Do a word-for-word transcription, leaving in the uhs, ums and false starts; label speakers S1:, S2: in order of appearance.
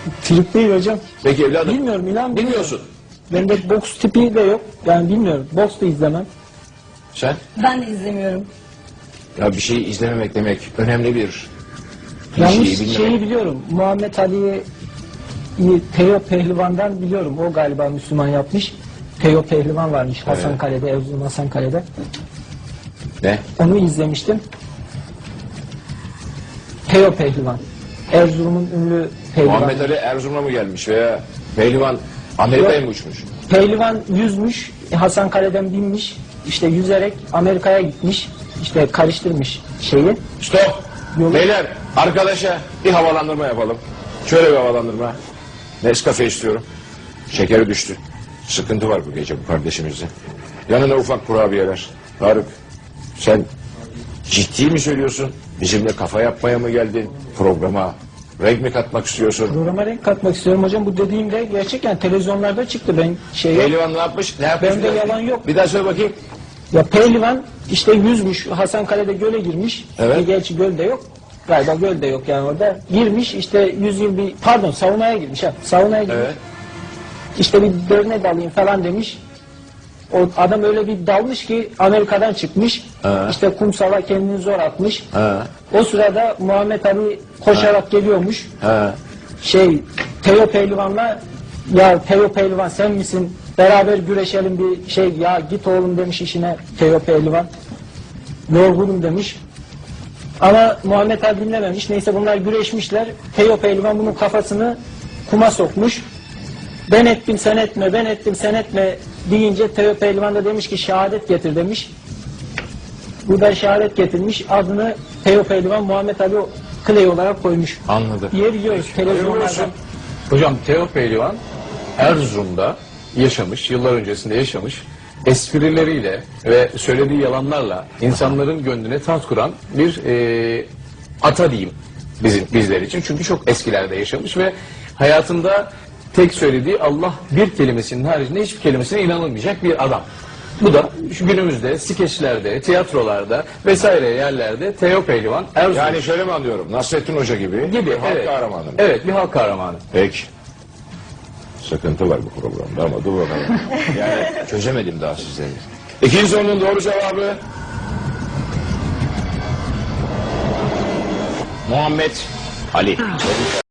S1: Trip değil hocam.
S2: Peki evladım.
S1: Bilmiyorum, inan
S2: Bilmiyorsun.
S1: Bende boks tipi de yok. Yani bilmiyorum. Boks da izlemem.
S2: Sen?
S3: Ben de izlemiyorum.
S2: Ya bir şeyi izlememek demek önemli bir
S1: Yanlış
S2: şeyi bilmemek.
S1: şeyi biliyorum. Muhammed Ali'yi Teo Pehlivan'dan biliyorum. O galiba Müslüman yapmış. Teo Pehlivan varmış Hasankale'de, Erzurum Hasankale'de.
S2: Ne?
S1: Onu izlemiştim. Teo Pehlivan. Erzurum'un ünlü pehlivanı.
S2: Muhammed Ali Erzurum'a mı gelmiş veya Pehlivan Amerika'ya mı uçmuş?
S1: Pehlivan yüzmüş, Hasankale'den binmiş, işte yüzerek Amerika'ya gitmiş, işte karıştırmış şeyi.
S2: Stop!
S1: Yolu-
S2: Beyler, arkadaşa bir havalandırma yapalım. Şöyle bir havalandırma. Nescafe istiyorum. Şekeri düştü. Sıkıntı var bu gece bu kardeşimizde. Yanına ufak kurabiyeler. Tarık, sen ciddi mi söylüyorsun? Bizimle kafa yapmaya mı geldin? Programa renk mi katmak istiyorsun?
S1: Programa renk katmak istiyorum hocam. Bu dediğim de gerçekten televizyonlarda çıktı. Ben şey
S2: Pehlivan ne yapmış? Ne yapmış?
S1: Bende yalan yok.
S2: Bir daha söyle bakayım.
S1: Ya Pehlivan işte yüzmüş, Hasankale'de göle girmiş.
S2: Evet.
S1: E, gerçi göl de yok. Galiba göl de yok yani orada. Girmiş işte yüz yıl bir, pardon saunaya girmiş ha. Saunaya girmiş.
S2: Evet.
S1: İşte bir dörne dalayım falan demiş. O adam öyle bir dalmış ki Amerika'dan çıkmış.
S2: Ha.
S1: İşte kumsala kendini zor atmış.
S2: Ha.
S1: O sırada Muhammed Ali koşarak geliyormuş.
S2: Ha.
S1: Şey Teo Pehlivan'la, ya Teo Pehlivan sen misin? Beraber güreşelim bir şey, ya git oğlum demiş işine Teo Pehlivan. Yorgunum demiş. Ama Muhammed Ali dinlememiş. Neyse bunlar güreşmişler. Teo Pehlivan bunun kafasını kuma sokmuş. Ben ettim sen etme, ben ettim sen etme deyince Teo Pehlivan da demiş ki şehadet getir demiş. Bu da şehadet getirmiş. Adını Teo Pehlivan Muhammed Ali Clay olarak koymuş.
S2: Anladım.
S1: Yer yiyoruz televizyonlardan.
S4: Hocam Teo Pehlivan Erzurum'da yaşamış, yıllar öncesinde yaşamış. Esprileriyle ve söylediği yalanlarla insanların gönlüne taht kuran bir e, ata diyeyim bizim, bizler için. Çünkü çok eskilerde yaşamış ve hayatında tek söylediği Allah bir kelimesinin haricinde hiçbir kelimesine inanılmayacak bir adam. Bu da şu günümüzde skeçlerde, tiyatrolarda vesaire yerlerde Teo Pehlivan Erzurum
S2: Yani şöyle mi anlıyorum? Nasrettin Hoca gibi,
S4: gibi.
S2: bir halk
S4: Evet.
S2: kahramanı mı?
S4: Evet, bir halk kahramanı.
S2: Peki. Sıkıntı var bu programda ama dur bakalım. Yani çözemedim daha sizleri. İkinci sorunun doğru cevabı Muhammed Ali.